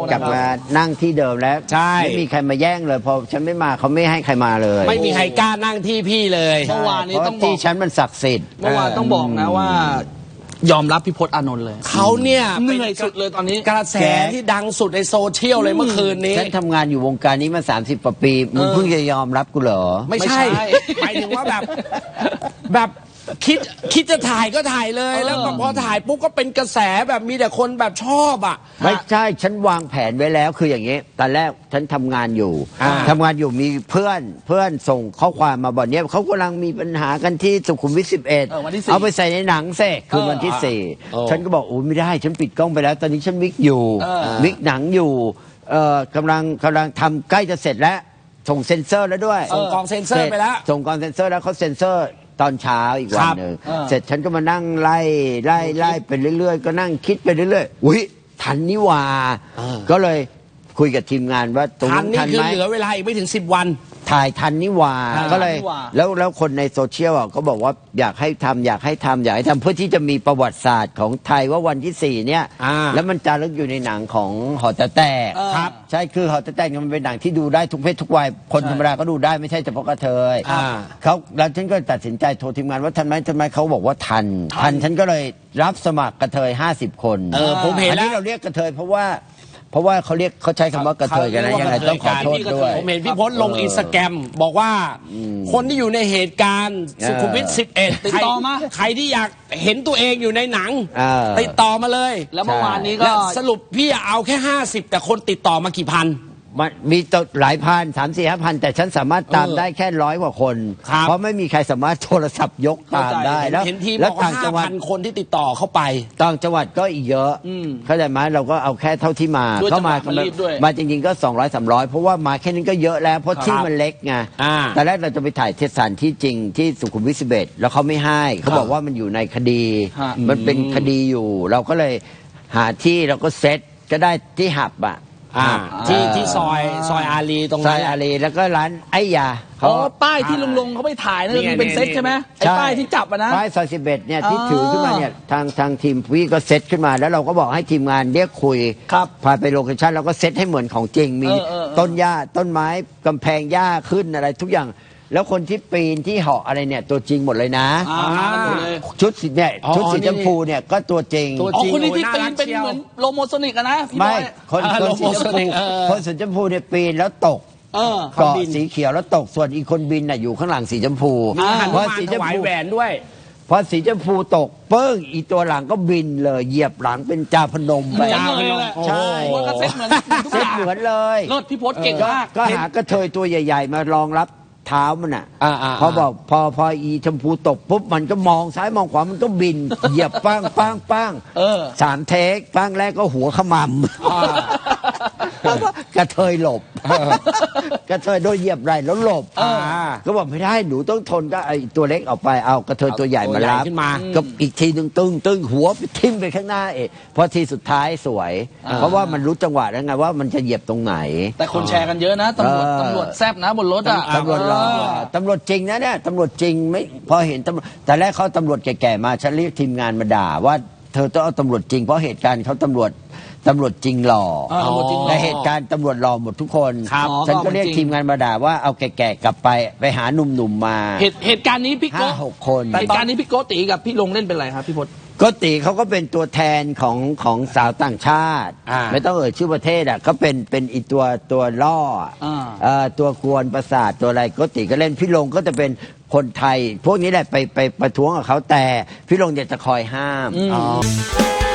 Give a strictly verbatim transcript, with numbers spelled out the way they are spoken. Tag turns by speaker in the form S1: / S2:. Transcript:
S1: กลับมานั่งที่เดิมแล้ว
S2: ใช่
S1: ไม่มีใครมาแย่งเลยพอฉันไม่มาเขาไม่ให้ใครมาเลย
S2: ไม่มีใครกล้านั่งที่พี่เลย
S3: เมื่อวานนี้
S1: เพราะ
S3: ต้องบอ
S1: ที่
S3: ก
S1: ฉันมันศักดิ์สิทธิ์
S3: เมื่อวานต้องบอกนะว่า ยอมรับพี่พจน์อานนท์เลย
S2: เขาเนี่ย
S3: เหนื่อยสุดเลยตอนนี้
S2: กระแสที่ดังสุดในโซเชียลเลยเมื่อคืนนี้
S1: ฉันทำงานอยู่วงการนี้มาสามสิบกว่าปีมึงเพิ่งจะยอมรับกูเหรอ
S2: ไม่ใช่
S3: ไม่ใช่
S2: หมายถึงว่าแบบแบบคิดคิดจะถ่ายก็ถ่ายเลย
S3: เออ
S2: แล้วพอถ่ายปุ๊บก็เป็นกระแสแบบมีแต่คนแบบชอบอ่ะ
S1: ไม่ใช่ฉันวางแผนไว้แล้วคืออย่างนี้ตอนแรกฉันทำงานอยู่
S2: อ่า
S1: ทำงานอยู่มีเพื่อนเพื่อนส่งข้อความมาบอกเนี่ยเขากำลังมีปัญหากันที่สุขุมวิทสิบเอ็ด
S3: เออวันที่สี่
S1: เอาไปใส่ในหนังเสกคือวันที่สี่
S2: เออ
S1: ฉันก็บอกโอ้ไม่ได้ฉันปิดกล้องไปแล้ว ตอนนี้ฉันวิกอยู่
S3: เออ
S1: วิกหนังอยู่เอ่อกำลังกำลังทำใกล้จะเสร็จแล้วส่งเซ็นเซอร์แล้วด้วย
S2: ส่งกองเซ็นเซอร์ไปแล้ว
S1: ส่งกองเซ็นเซอร์แล้วเขาเซ็นเซอร์ตอนเช้าอีกวันหนึ่ง
S3: ครับ
S1: เสร็จฉันก็มานั่งไล่ไล่ไล่ไปเรื่อยๆ ก็นั่งคิดไปเรื่อยๆอุ้ยทันนี่หว่า
S2: เออ
S1: ก็เลยคุยกับทีมงานว่าตรง
S2: ทัน
S1: นั้น
S2: นี่
S1: ทัน
S2: คือ
S1: ไหม
S2: เหลือเวลาอีกไม่ถึงสิบวัน
S1: ถ่ายทันนี่หว่า
S3: อ่า
S1: ก็เลย
S3: ทันนี่หว่า
S1: แล้วแล้วคนในโซเชียลอ่ะก็บอกว่าอยากให้ทำอยากให้ทำอยากให้ทำเพื่อที่จะมีประวัติศาสตร์ของไทยว่าวันที่สี่เนี่ย
S2: อ่า
S1: แล้วมันจารึกอยู่ในหนังของหอแต่แตก
S3: เออ
S1: ครับใช่คือหอแต่แตกเนี่ยมันเป็นหนังที่ดูได้ทุกเพศทุกวัยคนธรรมดาก็ดูได้ไม่ใช่เฉพาะกระเทย
S2: อ่า
S1: เขาแล้วฉันก็ตัดสินใจโทรทีมงานว่าทันไหมทันไหมเขาบอกว่าทัน ทันฉันก็เลยรับสมัครกระเทยห้าสิบคน
S2: เออผมเห็น
S1: อัน
S2: แล้
S1: นี้
S2: ว
S1: เราเรียกกระเทยเพราะว่า เพราะว่าเขาเรียกเขาใช้คำว่ากระเทยกันนะยังไงต้องขอโทษด้วย
S2: ผมเห็นพี่พจน์ลงอินสตาแกรมบอกว่าคนที่อยู่ในเหตุการณ์สุขุมวิทสิบเอ็ด
S3: ติดต่อมา
S2: ใครที่อยากเห็นตัวเองอยู่ในหนัง
S1: เออ
S2: ติดต่อมาเลย
S3: แล้วเมื่อวานนี้ก็
S2: และสรุปพี่เอาแค่ห้าสิบแต่คนติดต่อมากี่พัน
S1: มันมีตัวหลายพันสามสี่ห้าพันแต่ฉันสามารถตาม
S2: เออ
S1: ได้แค่ร้อยกว่าคน
S2: ครับ
S1: เพราะไม่มีใครสามารถโทรศัพท์ยกตามได้แล้ว
S2: เห็นทีม
S1: แล้ว
S2: บอกว่า
S1: ต่างจั
S2: ห้าง
S1: หวัด
S2: พันคนที่ติดต่อเข้าไป
S1: ต่างจังหวัดก็อีกเยอะ
S3: อืม
S1: เข้าใจไหมเราก็เอาแค่เท่าที่มา
S3: ด้วย
S1: เข้ามา
S3: จังหวะมันรีบด้วย
S1: มาจริงๆก็สองร้อยสามร้อยเพราะว่ามาแค่นี้ก็เยอะแล้วเพราะที่มันเล็กไง
S2: อ่า
S1: แต่แรกเราจะไปถ่ายเทศสถานที่จริงที่สุขุมวิทสิบเอ็ดแล้วเขาไม่ให้เขาบอกว่ามันอยู่ในคดี
S3: ฮะ
S1: มันเป็นคดีอยู่ เราก็เลยหาที่เราก็เซ็ตก็ได้ที่หับอ่ะ
S2: อ่า
S1: อ่า
S2: ที่ที่ซอยซอยอารีตรง
S1: ซ
S2: นั้
S1: อน ยอารีแล้วก็ร้านไอ้ยา
S3: อ๋อป้ายที่ลุงลงเขาไปถ่ายนั่น
S2: นี่ไง
S3: มันเป็นเซ็ตใช่ไหมไอ้
S1: ใช่
S3: ป้ายที่จับอะนะ
S1: ป้ายซอยสิบเอ็ดเนี่ยที่
S3: อ๋อ
S1: ถือขึ้นมาเนี่ยทางทางทีมพี่ก็เซตขึ้นมาแล้วเราก็บอกให้ทีมงานเรียกคุย
S3: ครับ
S1: พาไปโลเคชั่นเราก็เซตให้เหมือนของจริงมี
S3: เออเออเออ
S1: ต้นหญ้าต้นไม้กำแพงหญ้าขึ้นอะไรทุกอย่าง แล้วคนที่ปีนที่เหาะอะไรเนี่ยตัวจริงหมดเลยนะ
S3: อ่ามากันหมดเลย
S1: ชุดสีเนี่ย
S2: อ๋อ
S1: ชุดสี
S2: นี่
S1: ชมพูเนี่ยก็ตัวจริง
S2: ตัว
S3: อ๋อ
S2: จริง
S3: คนนี้ที่
S2: โอ้ย
S3: ปี
S2: น่าน รัก
S3: เป็น
S2: เชียว
S3: เหมือนโลโมโซนิกอะนะพี่บ
S1: ไม่
S3: อย
S1: คน
S2: อ่า
S1: คนสีชม
S2: โลโมโซนิ
S1: พู
S2: กเออ
S1: คนสีชมพูเนี่ยปีนแล้วตก
S3: เออ
S1: เกาะสีเขียวแล้วตกส่วนอีกคนบินน่ะอยู่ข้างหลังสีชมพู
S2: มีหัน
S1: เพราะ
S2: มา
S1: สี
S2: ถ
S1: ชม
S2: วาย
S1: พู
S2: แหวนด้วย
S1: พอสีชมพูตกเปิ้งอีตัวหลังก็บินเลยเหยียบหลังเป็นจาพนม
S3: เห
S1: ไป
S3: มือนเลยแหละ
S1: ใช่
S3: โอ้โหก็เซ็ตเหมือนทุก
S1: เซ็
S3: อ
S1: ต
S3: ย่าง
S1: เหมือนเลย
S3: เลิศพี่พจน์เก่งมาก
S1: ก็หากระเทยตัวใหญ่ ๆ มารองรับเท้ามันอ่ะ
S2: อ่าอ่า
S1: พอบอกพอพออีชมพูตกปุ๊บมันก็มองซ้ายมองขวามันก็บิน เหยียบปังปังปัง
S3: เออ
S1: สามเทคปังแรกก็หัวขมำแล้วก็กระเทยหลบ กระเทยโดนเหยียบไหล่แล้วหลบ
S3: เออ
S1: ก็บอกไม่ได้หนูต้องทนก็ไอตัวเล็กออกไปเอากระเทยตัวใหญ่มารับ
S2: ตัวใหญ่ขึ้นมา
S1: ก็อีกทีหนึ่งตึ้งตึ้งหัวไปทิ่มไปข้างหน้าเองพอทีสุดท้ายสวย
S3: อ่า
S1: เพราะว่ามันรู้จังหวะแล้วไงว่ามันจะเหยียบตรงไหน
S3: แต่คนแชร์กันเยอะนะตำรวจ
S1: เออ
S3: ตำรวจแซบนะบนรถอะ
S1: ตำรวจรอ
S3: เออ
S1: ตำรวจจริงนะเนี่ยตำรวจจริงไม่พอเห็นตำรวจแต่แรกเขาตำรวจแก่ๆมาฉันเรียกทีมงานมาด่าว่าเธอต้องเอาตำรวจจริงเพราะเหตุการณ์เขาตำรวจตำรวจจริงหล่อ
S3: เออตำรวจจริงหล่อ
S1: ในเหตุการณ์ตำรวจหล่อหมดทุกคน
S3: ครับ
S1: ฉันก็เรียก
S3: จริง
S1: ทีมงานมาด่าว่าเอาแก่ๆกลับไปไปหาหนุ่มๆมา
S3: เหตุเหตุการณ์นี้พี่
S1: ห้า
S3: โก้
S1: หกคน
S3: เหตุการณ์นี้พี่โก้ตีกับพี่ลงเล่นเป็นอะไรครับพี่พจน์
S1: ก็ตีเขาก็เป็นตัวแทนของของสาวต่างชาติ
S2: อ่า
S1: ไม่ต้องเอ่ยชื่อประเทศอ่ะก็เป็นเป็นอีตัวตัวล่ออ่ะ
S3: อ่า
S1: เอ่อตัวกวนประสาทตัวอะไรก็ตีก็เล่นพี่ลงก็จะเป็นคนไทย พวกนี้แหละไปไปประท้วงกับเขาแต่พี่ลงอยากจะคอยห้าม
S3: อืม